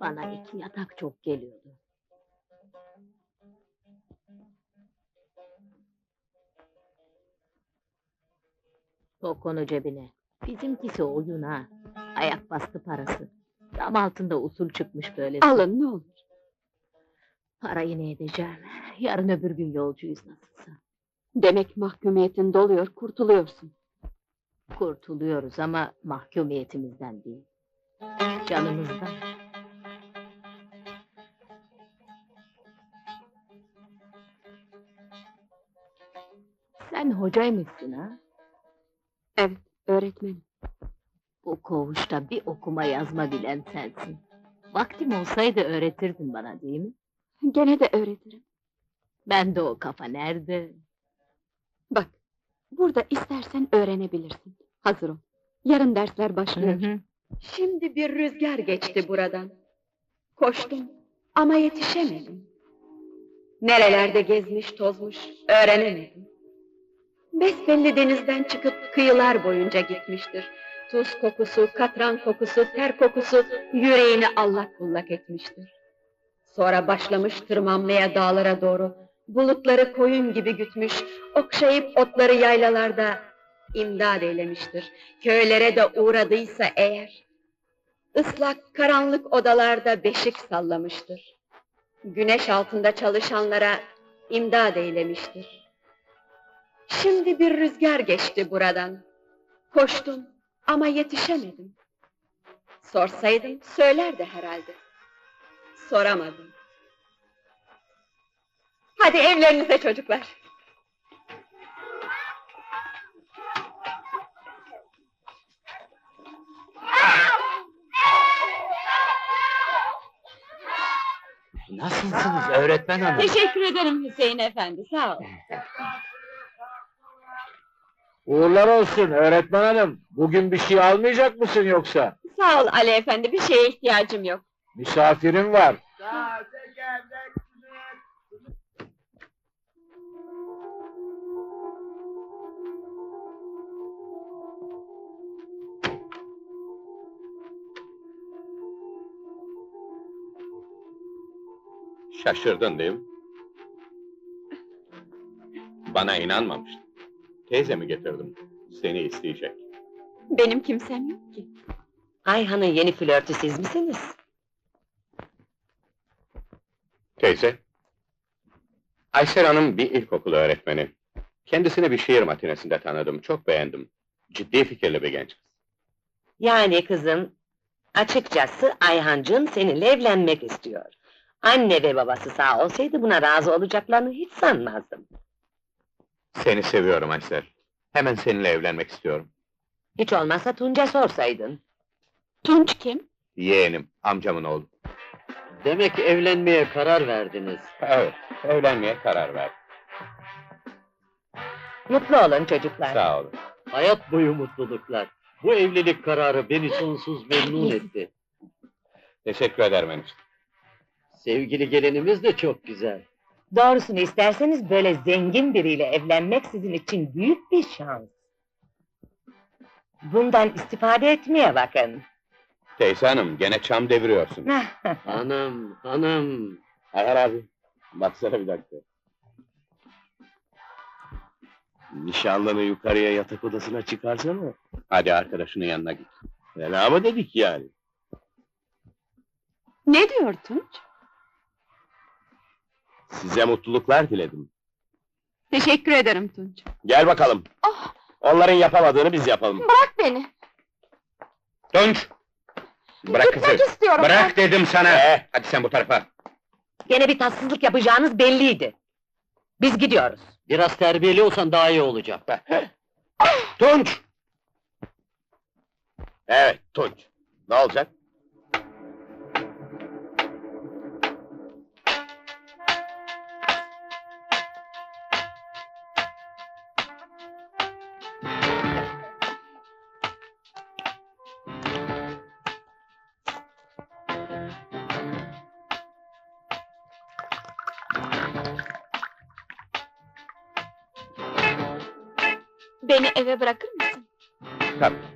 Bana 2 yatak çok geliyordu. Sok onu cebine. Bizimkisi oyun ha. Ayak bastı parası. Dam altında usul çıkmış böyle. Alın ne olur. Parayı ne edeceğim? Yarın öbür gün yolcuyuz nasılsa. Demek mahkumiyetin doluyor, kurtuluyorsun. Kurtuluyoruz ama mahkumiyetimizden değil. Canımızdan. Sen hocaymışsın ha? Evet, öğretmenim. Bu koğuşta bir okuma yazma bilen sensin. Vaktim olsaydı öğretirdin bana değil mi? Gene de öğretirim. Bende o kafa nerede? Bak, burada istersen öğrenebilirsin. Hazır ol. Yarın dersler başlıyor. Hı hı. Şimdi bir rüzgar geçti buradan. Koştum ama yetişemedim. Nerelerde gezmiş tozmuş öğrenemedim. Besbelli denizden çıkıp kıyılar boyunca gitmiştir. Tuz kokusu, katran kokusu, ter kokusu yüreğini allak bullak etmiştir. Sonra başlamış tırmanmaya dağlara doğru. Bulutları koyun gibi gütmüş, okşayıp otları yaylalarda imdad eylemiştir. Köylere de uğradıysa eğer, ıslak karanlık odalarda beşik sallamıştır. Güneş altında çalışanlara imdad eylemiştir. Şimdi bir rüzgar geçti buradan. Koştum ama yetişemedim. Sorsaydım söylerdi herhalde. Soramadım. Hadi evlerinize çocuklar. Nasılsınız öğretmen hanım? Teşekkür ederim Hüseyin efendi, sağ ol. Uğurlar olsun öğretmen hanım. Bugün bir şey almayacak mısın yoksa? Sağ ol Ali efendi, bir şeye ihtiyacım yok. Misafirim var. Şaşırdın değil mi? Bana inanmamıştın. Teyzemi getirdim. Seni isteyecek. Benim kimsem yok ki. Ayhan'ın yeni flörtü siz misiniz? Teyze. Aysel Hanım bir ilkokul öğretmeni. Kendisini bir şiir matinesinde tanıdım. Çok beğendim. Ciddi fikirli bir genç kız. Yani kızım, açıkçası Ayhancığım seninle evlenmek istiyor. Anne ve babası sağ olsaydı buna razı olacaklarını hiç sanmazdım. Seni seviyorum Aysel. Hemen seninle evlenmek istiyorum. Hiç olmazsa Tunç'a sorsaydın. Tunç kim? Yeğenim, amcamın oğlu. Demek evlenmeye karar verdiniz. Evet, evlenmeye karar verdim. Mutlu olun çocuklar. Sağ olun. Hayat boyu mutluluklar. Bu evlilik kararı beni sonsuz memnun etti. Teşekkür ederim enişte. Sevgili gelinimiz de çok güzel. Doğrusunu isterseniz böyle zengin biriyle evlenmek sizin için büyük bir şans. Bundan istifade etmeye bakın. Teyze hanım, gene çam deviriyorsun. Hanım. Ayhan abi, baksana bir dakika. Nişanlını yukarıya yatak odasına çıkarsana. Hadi arkadaşının yanına git. Fena mı dedik yani? Ne diyor Tunç? Size mutluluklar diledim. Teşekkür ederim Tunç. Gel bakalım. Ah! Onların yapamadığını biz yapalım. Bırak beni. Tunç! Bırak kızı! Gitmek istiyorum. Bırak dedim sana! Hadi sen bu tarafa! Gene bir tatsızlık yapacağınız belliydi. Biz gidiyoruz. Biraz terbiyeli olsan daha iyi olacak. Tunç! Evet, Tunç. Ne olacak? Beni eve bırakır mısın? Tabii.